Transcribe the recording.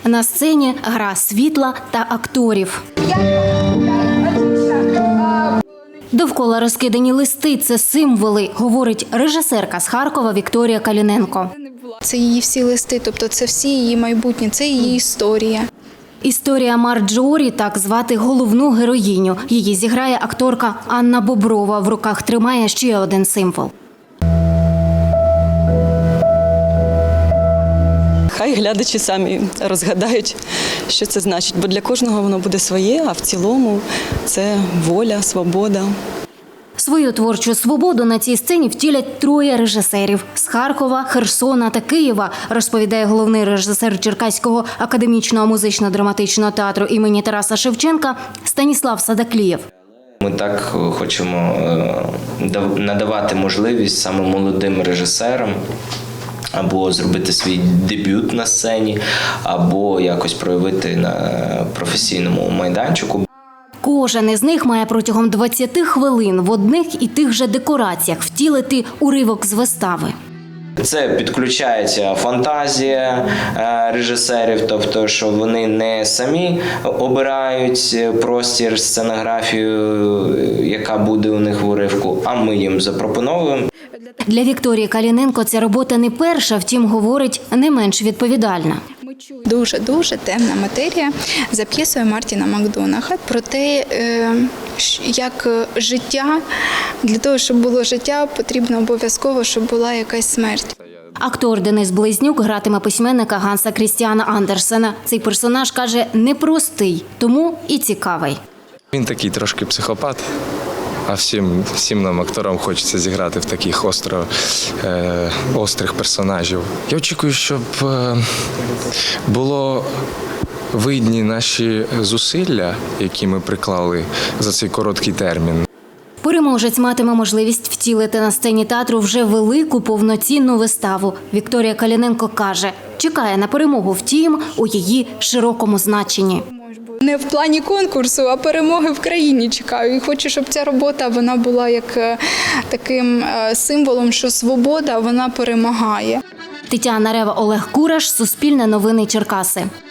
На сцені гра світла та акторів. Довкола розкидані листи – це символи, говорить режисерка з Харкова Вікторія Каліненко. Це її всі листи, тобто це всі її майбутнє, це її історія. Історія Марджорі – так звати головну героїню. Її зіграє акторка Анна Боброва. В руках тримає ще один символ. Хай глядачі самі розгадають, що це значить, бо для кожного воно буде своє, а в цілому це воля, свобода. Свою творчу свободу на цій сцені втілять троє режисерів – з Харкова, Херсона та Києва, розповідає головний режисер Черкаського академічного музично-драматичного театру імені Тараса Шевченка Станіслав Садаклієв. Ми так хочемо надавати можливість саме молодим режисерам або зробити свій дебют на сцені, або якось проявити на професійному майданчику. Кожен із них має протягом 20 хвилин в одних і тих же декораціях втілити уривок з вистави. Це підключається фантазія режисерів, тобто, що вони не самі обирають простір, сценографію, яка буде у них в уривку, а ми їм запропонуємо. Для Вікторії Каліненко ця робота не перша, втім, говорить, не менш відповідальна. Дуже темна матерія за п'єсою Мартіна Макдонаха про те, як життя, для того, щоб було життя, потрібно обов'язково, щоб була якась смерть. Актор Денис Близнюк гратиме письменника Ганса Крістіана Андерсена. Цей персонаж, каже, непростий, тому і цікавий. Він такий трошки психопат, а всім нам, акторам, хочеться зіграти в таких острих персонажів. Я очікую, щоб було видні наші зусилля, які ми приклали за цей короткий термін. Переможець матиме можливість втілити на сцені театру вже велику повноцінну виставу. Вікторія Каліненко каже, чекає на перемогу, втім, у її широкому значенні. Не в плані конкурсу, а перемоги в країні чекаю. І хочу, щоб ця робота вона була як таким символом, що свобода, вона перемагає. Тетяна Рева, Олег Кураш, Суспільне новини Черкаси.